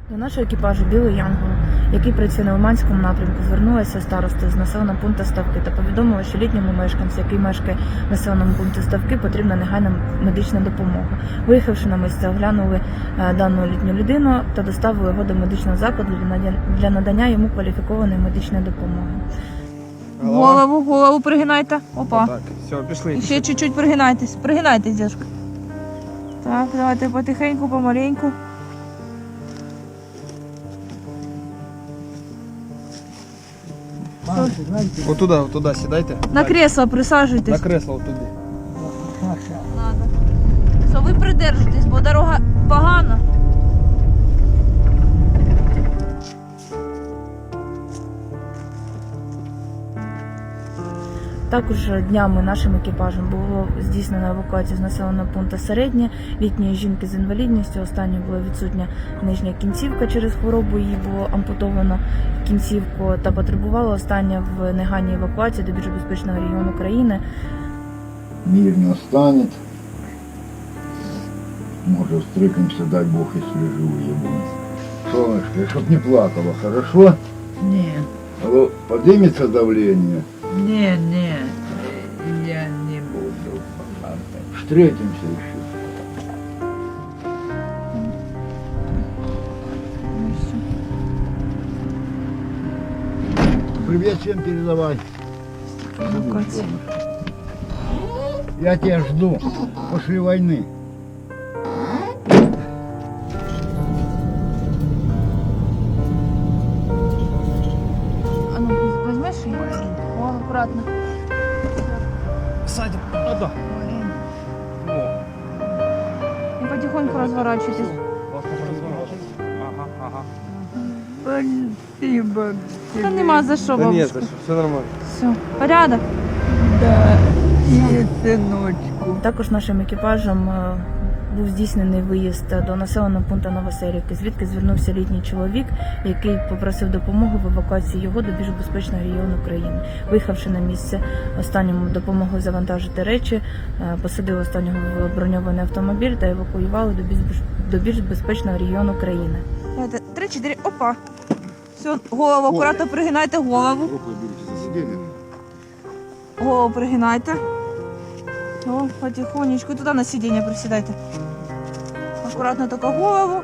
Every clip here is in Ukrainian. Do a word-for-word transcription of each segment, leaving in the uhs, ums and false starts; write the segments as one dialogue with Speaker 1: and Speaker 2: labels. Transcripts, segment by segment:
Speaker 1: До нашого екіпажу «Білий Янгол», який працює на Лиманському напрямку, звернулася староста з населеного пункту Ставки та повідомила, що літньому мешканцю, який мешкає в населеному пункті Ставки, потрібна негайна медична допомога. Виїхавши на місце, оглянули дану літню людину та доставили його до медичного закладу для надання йому кваліфікованої медичної допомоги.
Speaker 2: Голову, голову пригинайте. Опа.
Speaker 3: Так, все, пішли.
Speaker 2: І ще чуть-чуть пригинайтесь. Пригинайтесь, дядька. Так, давайте потихеньку, помаленьку.
Speaker 3: Вот туда, вот туда сідайте.
Speaker 2: На кресло
Speaker 3: На
Speaker 2: присаджуйтесь.
Speaker 3: кресло вот туди.
Speaker 2: Надо. Все, ви придержитесь, бо дорога погана.
Speaker 1: Також днями нашим екіпажем було здійснено евакуацію з населеного пункту Середнє літньої жінки з інвалідністю. Останньою була відсутня нижня кінцівка через хворобу, їй було ампутовано кінцівку та потребувала остання в негайній евакуації до більш безпечного регіону країни.
Speaker 4: Мир настанет. Может, встретимся, дай Бог, если живые будем. Солнышко, чтоб не плакала, хорошо?
Speaker 5: Нет,
Speaker 4: Алло, поднимется давление?
Speaker 5: нет, нет, я не буду плакать.
Speaker 4: Встретимся еще. Привет всем передавай.
Speaker 2: Евакуація.
Speaker 4: Я тебя жду после войны.
Speaker 2: А ну, возьмеш її? О, акуратно.
Speaker 3: Садим. А, да. О.
Speaker 2: І потихоньку розворачуйтесь.
Speaker 3: Ага, ага.
Speaker 5: Спасибо
Speaker 2: Та
Speaker 5: тебе.
Speaker 2: нема за що,
Speaker 3: Да нет,
Speaker 2: бабушка.
Speaker 3: за що, все нормально.
Speaker 2: Все, порядок.
Speaker 5: Да, и сыночку.
Speaker 1: Також нашим екіпажем е, був здійснений виїзд до населеного пункту Новоселівки, звідки звернувся літній чоловік, який попросив допомоги в евакуації його до більш безпечного регіону країни. Виїхавши на місце, останньому допомогли завантажити речі, е, посадили останнього в броньований автомобіль та евакуювали до більш, до більш безпечного регіону країни.
Speaker 2: Давайте, три-чотири, опа. Все, голову, акуратно пригинайте голову.
Speaker 4: Рукой берите за сиденье.
Speaker 2: Голову пригинайте. О, потихонечку. Туда на сиденье присідайте. Акуратно тільки голову.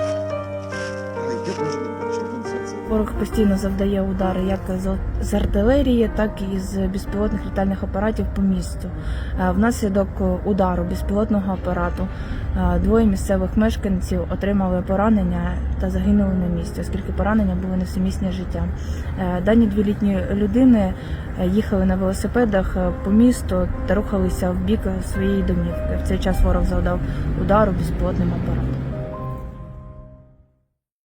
Speaker 1: Ворог постійно завдає удари як з- з артилерії, так і з безпілотних літальних апаратів по місту. Е, Внаслідок удару безпілотного апарату е, двоє місцевих мешканців отримали поранення та загинули на місці, оскільки поранення були несумісні з життям. Е, Дані дві літні людини е, їхали на велосипедах е, по місту та рухалися в бік своєї домівки. В цей час ворог завдав удару безпілотним апаратом.